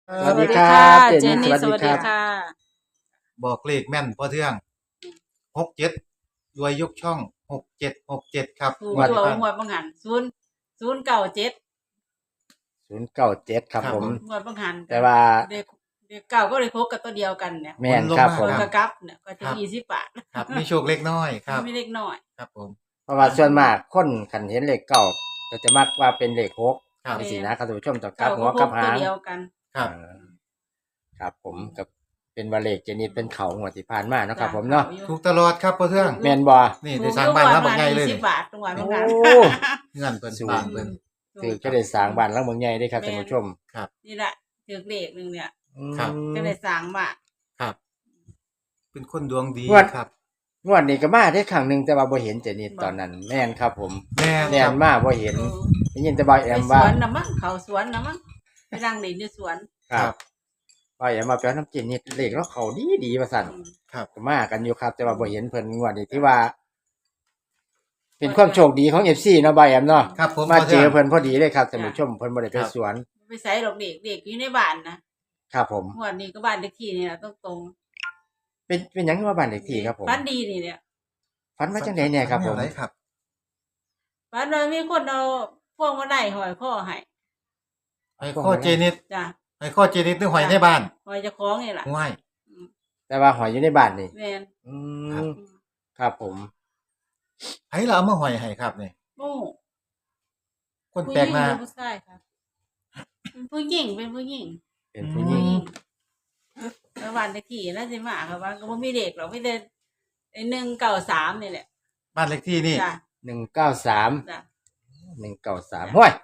สวัสดีคสวัสดีค่ะรับเจเจนนนี่สนี่สวัสดีวัสดีครับค่ะบอกเลขแม่นพอเทื่อง67รวยยกช่อง6767ครับถูกงวดตัวที่ผ่านงวดบังหันศูนย์เก่าเจ็ด 097ครับผมงวดบังหันแต่ว่าเด็กเก่าก็เลยพบกับตัวเดียวกันเนี่ยแม่นครับผคมนกระกับเนี่ยก็จะ20 บาทครับมีโชคเล็กน้อยครับไม่เล็กน้อยครับผมเพราะว่าส่วนมากคนคันเห็นเลขเก้าก็จะมักว่าเป็นเลขหกครับจังซี่นะครับท่านผู้ชมต้องกลัเก่าบหัก็วพกลับบหาตัวงเดียวกันครับครับผมกับเป็นว่าเลขเจนิดเป็นเขางวดที่ผ่านมาเนาะครับผมเนาะถูกตลอดครับพอเทื่องแม่นบ่นี่ได้สร้างบ้านแล้วบักใหญ่เลย 20 นี่บาทตรงวันบังหันโอ้เงินเพิ่นบ้านเพิ่นคือก็ได้สร้างบ้านหลังเมืองใหญ่เด้ครับท่านผู้ชมนี่แหละถือเลขหนึ่งเนี่ยครับก็เลยสร้างมาครับ เป็นคนดวงดีงวดครับงวดนี้ก็มาได้ครั้งหนึงแต่ว่าบ่เห็นเจนิดตอนนั้นแม่นครับผมแม่นแม่ครันบมาบ่เห็นเออได้ยินแต่บ่าวแอไปมสว่าวนนะมั้งเขาสวนนะมั้งไปนั่งเล่นอยู่สวนครับบ่าวแอมมาแปลน้ำเจนิดเลขแล้วเขาดีว่าซั่นครับก็มากันอยู่ครับแต่ว่าบ่เห็นเพิ่นงวดนี้ที่ว่า เป็นความโชคดีของ FC เนาะบ่าวแอมเนาะครับผมมาพอเจทื่องเพิ่นพอดีเลยครับท่านผู้ชมเพิ่นบ่ได้ไปสวนไปใส่ดอกเด็กอยู่ในบ้านนะครับผมงวดนี้ก็บ้านเลขที่นี่แหละตรงเป็นหยังคือว่าบ้านเลขที่ครับผมบ้านดีนี่เนี่ยฝันว่าจังได๋แน่ครับผมแนวไหนครับบ้านเรามีคนเอาพวงมาลัยหอยข้อให้ไอ้ข้อเจนิดจ้ะไอ้ข้อเจนิดนึกหอยในบ้านหอยเจะคล้าของนี่แหละห้วยแต่ว่าหอยอยู่ในบ้านนี่แม่นอืครับมครับผมไผล่ะเอามาหอยให้ครับนี่โอ้คนผู้หแปลญิกงหน้าหรือผู้ชายครับเป็นผู้หญิงเป็นผู้หญิงเป็นผู้หญิงแล้วบ้านเลขที่น่าจะมาครับว่าก็บ่มีเด็กหรอกมีแต่ไอ้193นี่แหละบ้านเลขที่นี่จ้ะ 193 จ้ะ 193ห้วย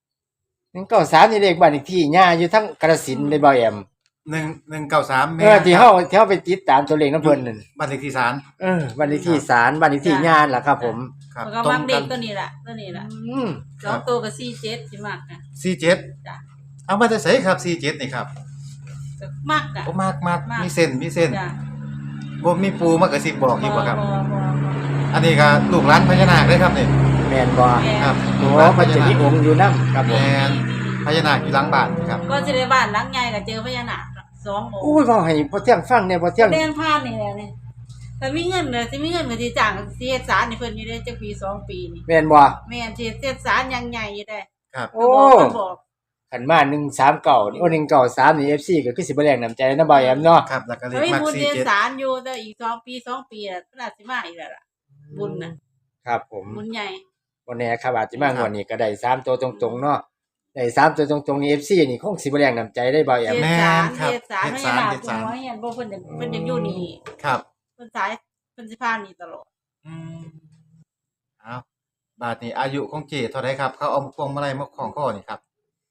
193นี่เลขบ้านเลขที่ย่าอยู่ทั้งกระสินธุ์เลยบ่าวแอม 1193 ที่เฮาไปติดตามตัวเลขนำเพิ่นนั่นบ้านเลขที่ศาลบ้านเลขที่ศาลบ้านเลขที่ย่าล่ะครับผมครับมันก็มักเด็กตัวนี้ล่ะตัวนี้ล่ะอืมสองตัวก็47สิมักนะ 47 จ้ะเอามาจะใส่ครับ47นี่ครับก็มักอ่ะโอ้มากมากมีเส้นมีเส้นจ้ะบ่มีปูมากระซิบบอกอีกบ่ครับบ่อันนี้ก็ลูกหลานพญานาคเด้อครับนี่แม่นบ่แม่ครับโอ้ลูกหลานพมันญาจะนามีคองค์อยู่นํครับผมแม่นพญานาคอยู่หลังบ้านครับก็สิได้บ้านหลังใหญ่ก็เจอพญานาค2องค์อุ้ยเว้าให้พ่อเที่ยงฟังแหน่พ่อเที่ยงเรียนผ่านนี่แหละนี่แต่มีเงินน่ะสิมีเงินก็สิจ้างสิเฮ็ดศาลให้เพิ่นอยู่ได้จักปี2ปีนี่แม่นบ่แม่นสิเฮ็ดศาลอย่างใหญ่อยู่ได้ครับโอ้ก็บอกขันมา139นี่โอ้193นี่ FC ก็คือสิบ่แรงน้ำใจนะบ่าวแอมเนาะครับแล้วก็เลเฮ้ขยมักบุญเรียน 47 ศาลอยู่แต่อีก2ปีอ่ะน่าสิมาอีกแล้วล่ะบุญน่ะครับผมบุญใหญ่บ่แน่ครับอาจสิมางวดนี้ก็ได้3ตัวตรงๆเนาะได้3ตัวตรงๆนี่ FC นี่คงสิบ่แรงน้ำใจได้บ่าวแอมเฮ็ดแม่ศาลนครับเฮ็ดศาลเฮ็ดพศาญาลนาคเฮ็ดศาลเพิ่นว่าเฮียนบ่เพิ่นอยากอยู่นี่ครับเพิ่นสิพานี่ตลอดอืมเอาบาดนี้อายุของเจเท่าไหร่ครับ เขาเอาพวงมาลัยมาคล้องคอนี่ครับ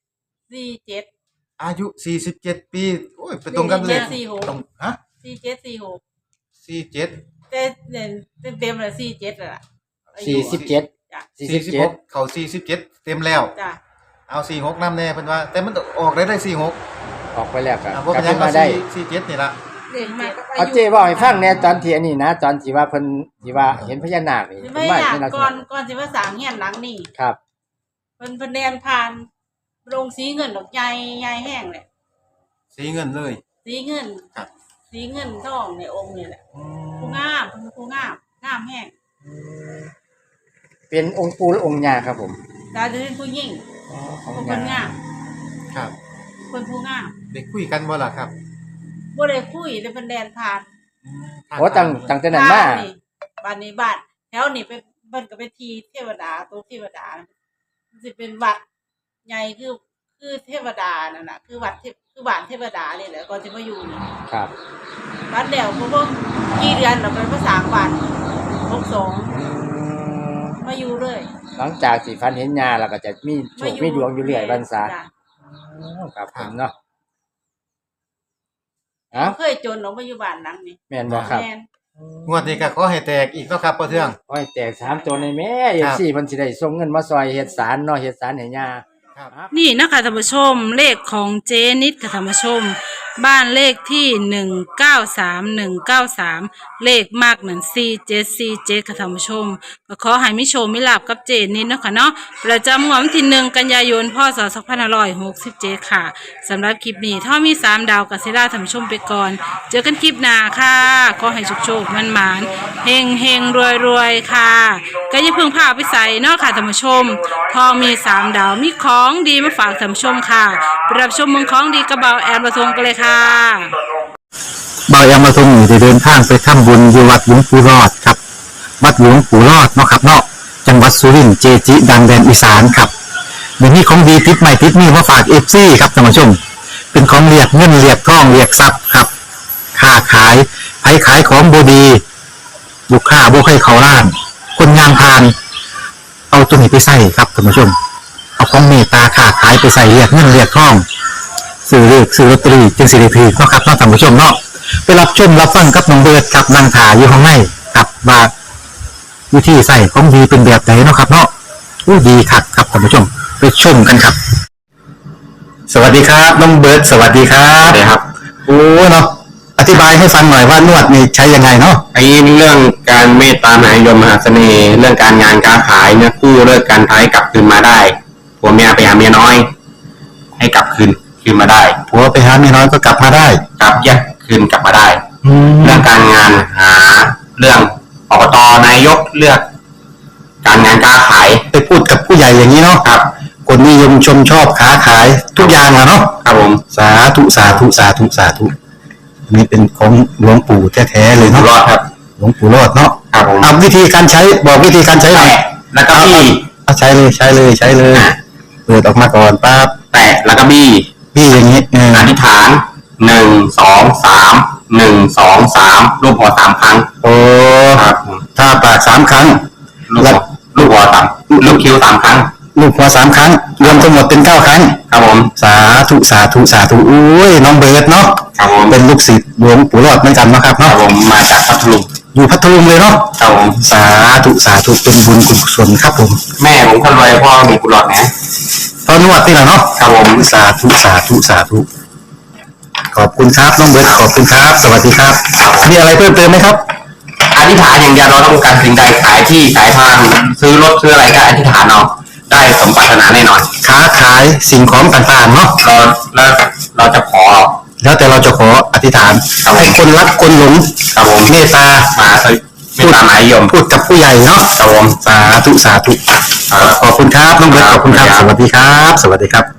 47 อายุ 47 ปี โอ้ยไปตรงกันเลย 47 ตรงฮะ 47 47 แต่เนี่ยเต็มๆเลย47แล้วล่ะอายุ 47 จ้ะ 46เขา47 เต็มแล้วจ้ะเอา46นำแน่เพิ่นว่า แต่มันออกได้46 ออกไปแล้วก็บ่กลัเป็บนหยังมาเอาได้ 47นี่ล่ะเด็กมาก็เอาเจ้เว้าให้ฟังแหน่ตอนที่อันนี้นะตอนที่ว่าเพิ่นที่ว่าเห็นพญานาคนี่สิเพิ่ไม่นมาอยากเป็นลักษก่อนณะก่อนสิมาสร้างเฮียนหลังนี่ครับเพิ่นแดนผ่านโรงสีเงินดอกใหญ่ใหญ่แห้งเลยสีเงินเลยสีเงินครับสีเงินทองในองค์นี่แหละอืผู้มงามเพิ่นผู้งามงามแห้งเป็นองค์ปู่และองค์ย่าครับผมตาจะเป็นผู้หญิงของเพิ่นย่างามครับเพิ่นผู้งามได้คุยกันบ่ล่ะครับบ่ได้คุยแต่เพิ่นแดนผ่านโอ้ตั้งแต่นั้นมาบ้านนี้บ้านแถวนี้เป็นเพิ่นก็เป็นที่เทวดาตัวเทวดามันสิเป็นวัดใหญ่คือเทวดานั่นน่ะคือวัดคือบ้านเทวดาเลยแหละก่อนสิมาอยู่นี่ครับบ้านแล้วเพราะว่ากี่เดือนเราไปภาษาบ้าน62มาอยู่เลยหลังจากที่ฝันเห็นย่าแล้วก็จะมีโชคมีดวงอยู่เรื่อยบรรษาจ้ะครับผมเนาะเอ้าเคยจนออกมาอยู่บ้านหลังนี้แม่นบ่ครับแม่นงวดนี้ก็ขอให้แตกอีกเนาะครับพ่อเทืองโอ้ยแตก3ตัวในแม่ครับ FC เพิ่นสิได้ส่งเงินมาซอยเฮ็ดศาลเนาะเฮ็ดศาลให้ย่าครับนี่นะคะท่านผู้ชมเลขของเจนิดค่ะท่านผู้ชมบ้านเลขที่193193เลขมากนั่น4747ค่ะท่านผู้ชมก็ขอให้มิโชคมิลาภกับเจนนิดเนาะค่ะเนาะประจำงวดวันที่1กันยายนพศ2567ค่ะสำหรับคลิปนี้ถ้ามี3ดาวกับเซราท่านผู้ชมไปก่อนเจอกันคลิปหน้าค่ะขอให้โชคๆมันๆเฮงๆรวยๆค่ะก็อย่าเพิ่งพาไปใส่เนาะค่ะท่านผู้ชมพอมี3ดาวมีของดีมาฝากท่านผู้ชมค่ะไปรับชมเมืองของดีกระเบาแอนประทงกันเลยค่ะบายามาทรงอยู่ได้เดินทางไปทำบุญอยู่วัดหลวงปู่รอดครับวัดหลวงปู่รอดเนาะครับเนาะจังหวัดสุรินทร์เจจิดังแดนอีสานครับเดี๋ยวนี้ของดีติดใหม่ติดนี่มาฝากFCครับท่านผู้ชมเป็นของเรียกเงินเรียกทองเรียกทรัพย์ครับค้าขายไผขายของบดีลูกค้าบ่ให้เขาล้าน คนงานพาน เอาตัวนี้ไปใส่ครับท่านผู้ชมเอาของเมตตาค้าขายไปใส่เรียกเงินเรียกทองซื้อเลขซื้อลอตเตอรี่จึงสิริพีเนาะครับเนาะท่านผู้ชมเนาะไปรับชมรับฟังกับน้องเบิร์ดครับนางถาอยู่ข้างในครับว่าวิธีใส่ของดีเป็นแบบไหนเนาะครับเนาะอู้ดีครับครับท่านผู้ชมไปชมกันครับ สวัสดีครับน้องเบิร์ดสวัสดีครับสวัสดีครับโอ้เนาะอธิบายให้ฟังหน่อยว่านวดนี่ใช้ยังไงเนาะไอ้เรื่องการเมตตามหานิยมมหาเสน่ห์เรื่องการงานการขายเนี่ยกู้เลิกการท้ายกลับคืนมาได้ผัวเมียไปหาเมียน้อย ให้กลับคืนมาได้ผัวไปหาเมียน้อยก็กลับมาได้กลับแยกคืนกลับมาได้แล้เรื่วองการงานหาเรื่องอบตนายกเลือก การงานการขายไปพูดกับผู้ใหญ่อย่างนี้เนาะครับคนนิยมชมชอบค้าขายทุกอย่างอะเนาะครับผมสาธุสาธุสาธุสาธุอันนี้เป็นของหลวงปู่แท้ๆเลยอยู่เนาะรอดครับหลวงปู่รอดเนาะครับผมเอาวิธีการใช้บอกวิธีการใช้หน่อยแตะแล้วก็บี้เอาใช้เลยใช้เลยใช้เลยเปิดออกมาก่อนปั๊บแตะแล้วก็บี้พี่อย่างนี้อธิษฐาน1 2 3 1 2 3รูปหัว3ครั้งโอ้ครับผมถ้าปาก3 ครั้งลูกหัวสามลูกคิ้ว3 ครั้งลูกหัว3 ครั้ง รวมทั้งหมดเป็น9 ครั้งครับผมสาธุสาธุสาธุอุ้ยน้องเบิร์ดเนาะครับผมเป็นลูกศิษย์หลวงปู่รอดเหมือนกันเนาะครับครัเนาะบผมมาจากพัทลุงอยู่พัทลุงเลยเนาะครับผมสาธุสาธุเป็นบุญกุศลครับผมแม่ผมคนรวยพ่อมีกุหลาบนะตอนนวดนี่แหละเนาะครับผมสาธุสาธุสาธุขอบคุณครับน้องเบิร์ดขอบคุณครับ สวัสดีครับมีอะไรเพิ่มเติมไหมครับอธิษฐานอย่างเดียวเราต้องการสิ่งใดขายที่ขายทางซื้อรถซื้ออะไรก็อธิษฐานเอาได้สมปรารถนาแน่นอนค้าขายสิ่งของต่างๆเนาะเราจะขอแล้วแต่เราจะขออธิษฐานให้คนรักคนหลงครับผมเมตตามาไม่ตามหมายยมพูดกับผู้ใหญ่เนาะครับผมสาธุสาธุขอบคุณครับน้องเบิร์ตขอบคุณครับ สวัสดีครับ สวัสดีครับ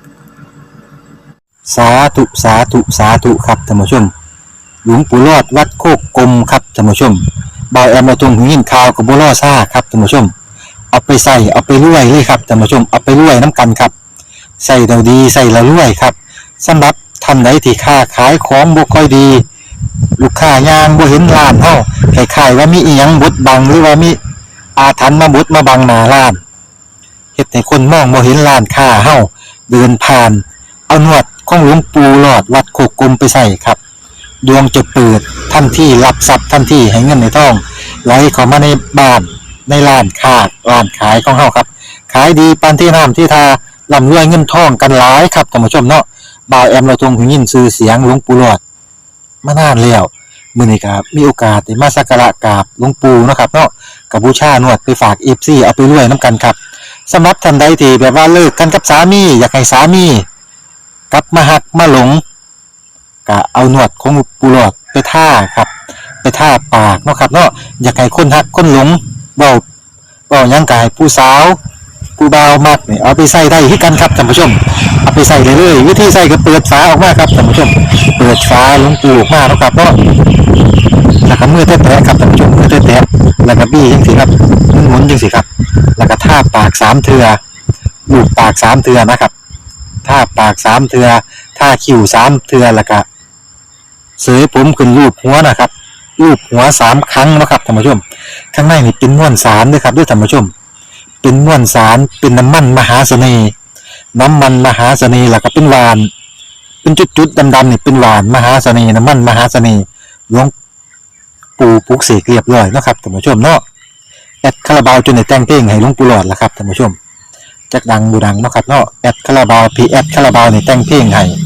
สาธุสาธุสาธุครับท่านผู้ชม หลวงปู่รอดวัดโคกกลมครับท่านผู้ชมบอยแอมมาตรงหูยินข่าวกับบัวล่อซ่าครับท่านผู้ชม เอาไปใส่เอาไปรวยเลยครับท่านผู้ชมเอาไปรวยน้ำกันครับใส่เราดีใส่เรารวยครับสำหรับท่านใดที่ค้าขายของบ่ค่อยดี ลูกค้ายางบ่เห็นร้านเฮาคล้ายๆว่ามีอีหยังบดบังหรือว่ามีอาถรรพ์มาบดมาบังหน้าร้านเฮ็ดให้คนมองบ่เห็นร้านค้าเฮาเดินผ่าน เอาหนวดของหลวงปู่หลอดวัดโคกกลมไปใส่ครับดวงจะเปิดทันทีรับทรัพย์ทันทีให้เงินในทองไหลเข้ามาในบ้านในร้านค้าร้านขายของเฮาครับขายดีปานที่น้ำที่ทาร่ำรวยเงินทองกันหลายครับท่านผู้ชมเนาะบ่าวแอมเราทรงหูยินชื่อเสียงหลวงปู่หลอดมานานแล้วมื้อนี้ครับมีโอกาสได้มาสักการะกราบหลวงปู่เนาะครับเนาะกับบูชาหนวดไปฝาก FC เอาไปรวยนํกันครับสำหรับท่านใดที่แบบว่าเลิกกันกับสามีอยากให้สามีกลับมาหักมาหลงก็เอาหนวดของปู่หลอดไปท่าครับไปท่าปากเนาะครับเนาะอยากให้คนหักคนหลงเว้าหยังกายผู้สาวผู้บ่าวมักนี่เอาไปใส่ได้คือกันครับท่านผู้ชมเอาไปใส่เลยวิธีใส่ก็เปิดฝาออกมาครับท่านผู้ชมเปิดฝาหลวงปู่ออกมาแล้วครับเนาะแล้วก็มือแตะๆครับท่านผู้ชมมือแตะๆแล้วก็บี้จังซี่ครับหมุนจังซี่ครับแล้วก็ท่าปาก3เทื่อลูบปาก3เทื่อนะครับท่าปาก3เทื่อท่าคิ้ว3เทื่อแล้วก็เสยผมขึ้นรูปหัวนะครับรูปหัว3ครั้งนะครับท่านผู้ชมข้างในนี่เป็นมวลสารด้วยครับด้วยท่านผู้ชมเป็นมวลสารเป็นน้ำมันมหาเสน่ห์น้ำมันมหาเสน่ห์แล้วก็เป็นหวานเป็นจุดๆดำๆนี่เป็นหวานมหาเสน่ห์น้ำมันมหาเสน่ห์หลวงปู่ปลุกเสกเรียบร้อยเนาะครับท่านผู้ชมเนาะแอดคาราบาวจนได้แต่งเพลงให้หลวงปู่หลอดแล้วครับท่านผู้ชมจักดังบูดังเนาะครับเนาะแอดคาราบาวพีแอดคาราบาวนี่แต่งเพลงให้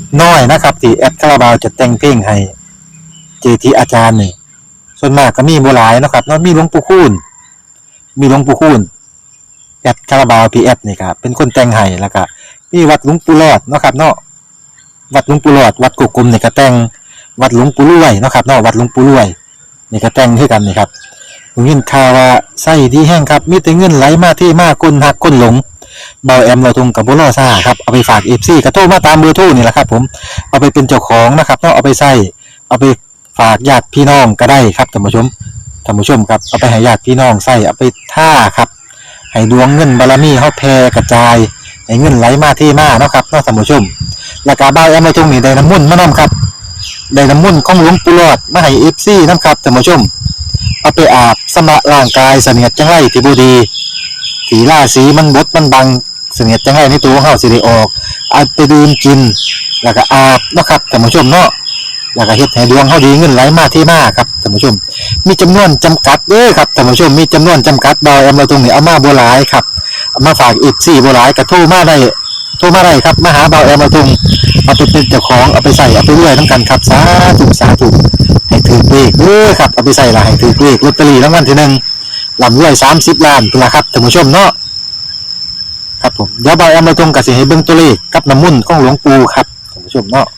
น้อยนะครับที่แอดคาราบาวจะแต่งเพลงให้เจทีอาจารย์นี่ส่วนมากก็มีบ่หลายเนาะครับเนาะมีหลวงปู่คูณแอดคาราบาวพีแอดนี่ครับเป็นคนแต่งให้แล้วก็มีวัดหลวงปู่รอดเนาะครับเนาะวัดหลวงปู่รอดวัดกุกกลมนี่ก็แต่งวัดหลวงปู่รวยเนาะครับเนาะวัดหลวงปู่รวยนี่ก็แต่งคือกันนี่ครับผมยินข่าวว่าไส้ดีแห้งครับมีแต่เงินไหลมาที่มาคนหักคนหลงเบาแอมเราทงกับบ่ล่อซ่าครับเอาไปฝาก FC ก็โทรมาตามเบอร์โทรนี่แหละครับผมเอาไปเป็นเจ้าของนะครับเนาะเอาไปใส่เอาไปฝากญาติพี่น้องก็ได้ครับท่านผู้ชมครับเอาไปให้ญาติพี่น้องใส่เอาไปท่าครับให้ดวงเงินบารมีเฮาแผ่กระจายให้เงินไหลมาที่มาเนาะครับเนาะท่านผู้ชมแล้วก็เบาแอมเราทงนี่ได้น้ำมนต์มานํครับได้น้ำมนต์ของหลวงปู่หลอดมาให้ FC นํครับท่านผู้ชมเอาไปอาบสำระร่างกายเสนียดจังไรที่บ่ดีสีราสีมันบดมันบังเสนียดจังไรในตัวของเฮาสิได้ออกเอาไปดื่มกินแล้วก็อาบเนาะครับท่านผู้ชมเนาะแล้วก็เฮ็ดให้ดวงเฮาดีเงินไหลมาที่มาครับท่านผู้ชมมีจำนวนจำกัดเด้อครับท่านผู้ชมมีจำนวนจำกัดดอยเอามาตรงนี้เอามาบ่หลายครับเอามาฝากอีก4บ่หลายก็โทรมาได้ครับมาหาเบาแอมมาตรงเอาไปเป็นเจ้าของเอาไปใส่เอาไปเรื่อยนำกันครับสาธุให้ถือเลขเด้อครับเอาไปใส่ละให้ถือเลขลอตเตอรี่รางวัลที่1ลำรวย30ล้านพุ่นล่ะครับท่านผู้ชมเนาะครับผมเดี๋ยวเบาแอมมาตรงก็สิให้เบิ่งตัวเลขกับน้ำมนต์ของหลวงปู่ครับท่านผู้ชมเนาะ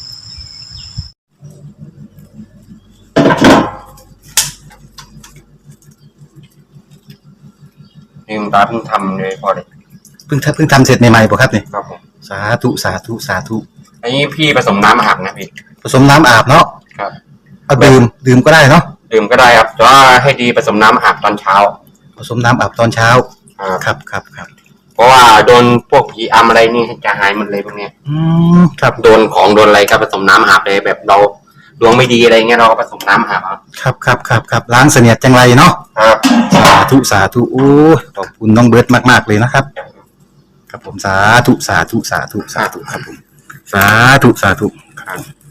ลืมตาเพิ่งทำเลยพอเลยเพิ่งทำเสร็จใหม่ๆป่ะครับเนี่ยครับผมสาธุอันนี้พี่ผสมน้ำอาบนะพี่ผสมน้ำอาบเนาะครับเอาดื่มก็ได้เนาะดื่มก็ได้ครับแต่ว่าให้ดีผสมน้ำอาบตอนเช้าผสมน้ำอาบตอนเช้าครับครับเพราะว่าโดนพวกผีอำอะไรนี่จะหายหมดเลยพวกเนี้ยครับโดนของโดนอะไรก็ผสมน้ำอาบเลยแบบเราดวงไม่ดีอะไรเงี้ยเราก็ผสมน้ำอาบครับล้างเสนียดจังไรเนาะครับสาธุโอ้ขอบคุณน้องเบิร์ตมากๆเลยนะครับครับผมสาธุครับผมสาธุ